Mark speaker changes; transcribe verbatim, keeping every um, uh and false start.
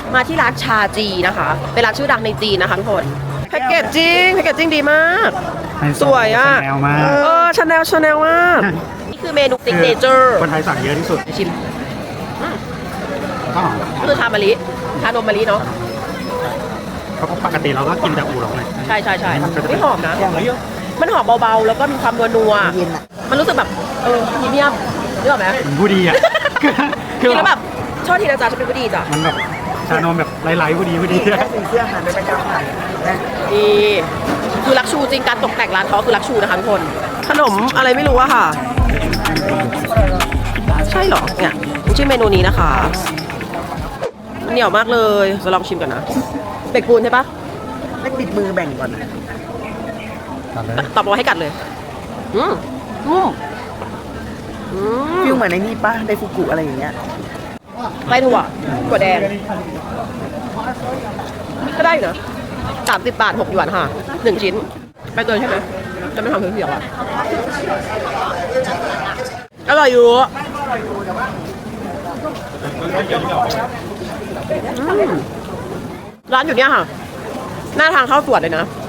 Speaker 1: มาที่ร้านชาจีนะคะเป็นร้านชื่อดังในจีนนะคะทุกคนแพ็กเกจจริงแพ็กเกจจริงดีมากสวยอ่ะ
Speaker 2: แนวมาก
Speaker 1: เออชาแนลชาแนลมากนี่คือเมนูซิกเนเจอร์
Speaker 2: คนไทยสั่งเยอะที่สุด
Speaker 1: ชิม
Speaker 2: ก็หอม
Speaker 1: คือชามะลิชานมมะลิเนาะ
Speaker 2: เพราะปกติเราก็กินแต่อูหลงเลย
Speaker 1: ใช่ใช่ใช่ไม่หอมนะมันหอมเบาๆแล้วก็มีความนัวๆมันรู้สึกแบบเออพรีเมียมนึกออกไหม
Speaker 2: เหมือนผู้ดีอ่ะ
Speaker 1: กินแล้วแบบชอบทีนะจ๊ะฉันเป็นผู้ดีจ้ะ
Speaker 2: มันแบบชานมแบบไร้ๆผู้ดีผู้ดี
Speaker 3: สีเสื้อหันไปประจำหันนะ
Speaker 1: นี่คือลักชูจริงการตกแต่งร้านเขาคือลักชูนะคะทุกคนขนมอะไรไม่รู้อะค่ะ ใช่เหรอเนี่ยชื่อเมนูนี้นะคะเหนียวมากเลยจะลองชิมกันนะเบกปูนใช่ปะ
Speaker 3: ไม่ติดมือแบ่งก่อนนะ
Speaker 1: ตอบมาให้กัดเลยอืมอืมอืม
Speaker 3: ฟิลเหมือนในนี่ป้าไดฟุกุอะไรอย่างเงี้ย
Speaker 1: ไส้ถั่วถั่วแดงก็ได้อยู่นะสามสิบบาทหกหยวนค่ะหนึ่งชิ้นไปเตยใช่ไหมจะไม่ทำเสียวๆอ่ะอร่อยอยู่อืมร้านอยู่เนี่ยค่ะ หน้าทางเข้าสวนเลยนะ